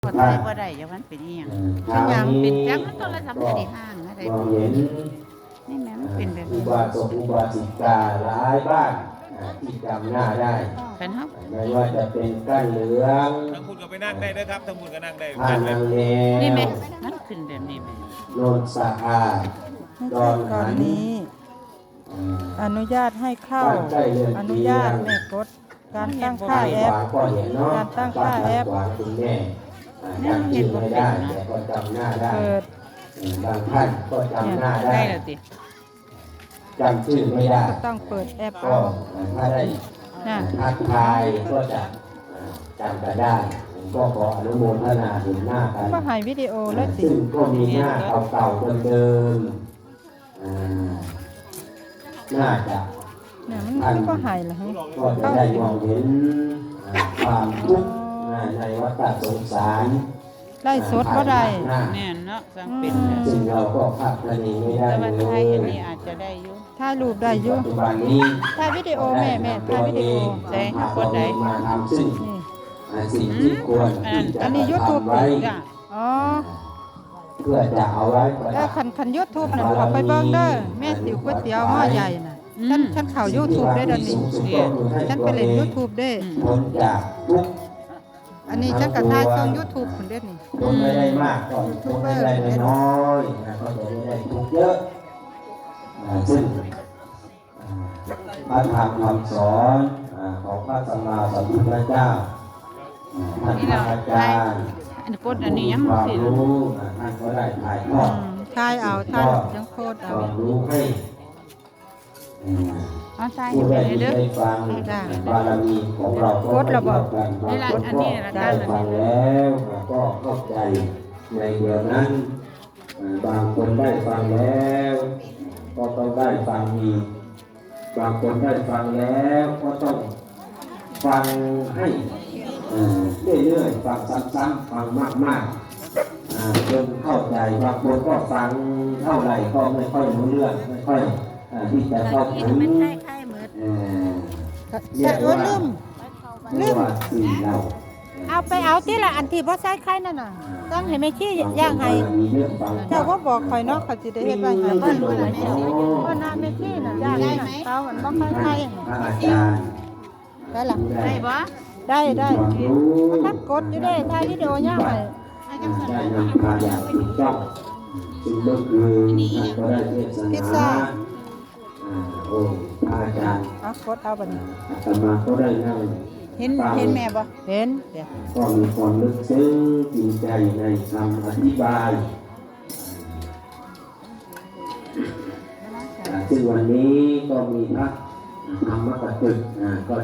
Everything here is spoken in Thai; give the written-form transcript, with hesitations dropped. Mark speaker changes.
Speaker 1: ก็ไทยบ่ได้อย่างนั้นเป็นอีหยังเป็นหยังเป็นจังมันโทรศัพท์ไม่ได้ห่างนะได้บ่นี่แม่มันเป็นแบบ
Speaker 2: อุ
Speaker 1: นี้
Speaker 2: บาสกอุบาสิกาหลายบ้านที่จำหน้าได้
Speaker 1: คันเฮา
Speaker 2: ไม่ว่าจะเป็นก้านเหลือง
Speaker 3: ทั้งคุณก็ไปนั่งได้นะครับทั้งคุณก็นั่งได้
Speaker 2: ท่านังเล
Speaker 1: นี่แม่มันขึ้นแบบนี้แม่
Speaker 2: โนนสะอาดดอน
Speaker 4: ตอ
Speaker 2: หั
Speaker 4: น
Speaker 2: น
Speaker 4: นี้อนุญาตให้เข้า อนุญาตแม่กดการตั้งค่าแอป
Speaker 2: ก็เห็นเนาะ
Speaker 4: การตั้งค่าแอป
Speaker 2: ขวาคุณแม่จำชื่อไม่ได้แต่ก็จำหน้าได้
Speaker 4: เปิด
Speaker 2: บางท่านก็จำหน้าได้
Speaker 1: ได้แล้วติ
Speaker 2: จำชื่อไม่ได้
Speaker 4: ก็ต้องเปิดแอป
Speaker 2: ก็
Speaker 4: เอา
Speaker 2: ถ้าได้
Speaker 4: น่ะ
Speaker 2: ทักทายก็จะจำกันได้ก็ขออนุโมทนาเห็นหน้ากัน
Speaker 4: ก็ให้วิดีโอแล้วสิ
Speaker 2: ซึ่งก็มีหน้าเก่าๆเดิมๆน่าจะ
Speaker 4: เนี่ยมันก็ให้ละฮะ
Speaker 2: ก็จะได้มองเห็นความทุกข์ในวัฏสงสาร
Speaker 4: ได้สดก็ได้
Speaker 1: แม่นเนาะสังเป็น
Speaker 2: ซึ่งเราก็คาดคะเนไม่ได้
Speaker 1: แต่
Speaker 2: เล
Speaker 1: ว่าย ไทยอันนี้อาจจะได้อยู่
Speaker 4: ถ่ายรูปได้อยู่
Speaker 2: ปัจจุบันนี้
Speaker 4: ถ่ายวิดีโอแม่ถ่ายวิดีโอ
Speaker 1: ใช่คนใด
Speaker 2: มาทำซึ่ง
Speaker 4: นี่
Speaker 2: สิ่งที่ควรที่จะ
Speaker 4: อันนี้ YouTube
Speaker 2: ทำไว้
Speaker 1: จ้ะ
Speaker 4: อ๋อ
Speaker 2: เพื่อจะเอาไว้ประ
Speaker 4: แล้
Speaker 2: ดั
Speaker 4: ว
Speaker 2: บ
Speaker 4: คัน YouTube น่ะขอไปเบิ่งเด้อแม่ติ๋วก๋วยเตี๋ยวหม้อใหญ่น่ะฉันเข้า YouTube ได้เดี๋ยวนี้ฉันไปเล่น YouTube ได้
Speaker 2: พ้นจากทุกข์
Speaker 4: อันนี้ฉันก็ถ่ายช่อง YouTube พุ่นเด้อนี่
Speaker 2: พ้นไม่ได้มากก็พ้นไม่ได้น้อยก็จะไม่ได้ทุกข์เยอะซึ่งพระธรรมคำสอนของพระสัมมาสัมพุทธเจ้าท่านพระอาจารย์
Speaker 1: อันกดอันนี้ยัง
Speaker 2: ความ
Speaker 1: สิ
Speaker 2: รู้ท่านก็ได้ถ่ายทอด
Speaker 4: ถ่ายเอาถ่ายยังโคตร
Speaker 2: ค
Speaker 4: เอา
Speaker 2: วามรู้ให้
Speaker 1: อ๋อใช่
Speaker 2: ผู้
Speaker 1: ไป
Speaker 2: ได้
Speaker 1: เลยเด้อ
Speaker 2: ได้ฟังบารมีของเราก็ไม่เท่ากันบางคนก็ได้ฟังแล้วก็เข้าใจในเดียวนั้นบางคนได้ฟังแล้วก็ต้องได้ฟังอีกบางคนได้ฟังแล้วก็ต้องฟังให้เรื่อยๆฟังซ้ำๆฟังมากๆจนเข้าใจบางคนก็ฟังเท่าไหร่ก็ไม่ค่อยรู้เรื่องไม่ค่อยที่จะเข้าถึง
Speaker 4: แต่ว่าลืม
Speaker 2: เรียกว่าสิ่งเรา
Speaker 4: เอาไปเอาที่ละอันที่บ่ใส่ไข่นั่นน่ะต้องให้แม่ขี้ย่างให้เจ้าก็บอกข่อยเนาะเขาสิได้เฮ็ดไว้ให้บ้านรู้ล่ะเพราะน้าแม่ขี้น่ะย่างให้น่ะเตามันบ่ค่อยไข่
Speaker 2: พระอาจารย์
Speaker 4: ได้ล่ะ
Speaker 1: ได้บ่
Speaker 4: ได้
Speaker 2: ความรู้
Speaker 4: ทักกดอยู่ได้ถ่ายวิดีโอย่างให้
Speaker 2: ได้นำพาอย่างถูกต้องซึ่งเมื่อคืนท่านก็ได้เทศนาโอ้พระอาจารย์
Speaker 4: เอากดเอาบัดนี้
Speaker 2: อาตมาก็ได้นั่ง
Speaker 1: เห็นแม่บ่
Speaker 4: เห็นเดี๋ยว
Speaker 2: ก็มีความลึกซึ้งจริงใจในคำอธิบายซึ่งวันนี้ก็มีพระธรรมกตึกก็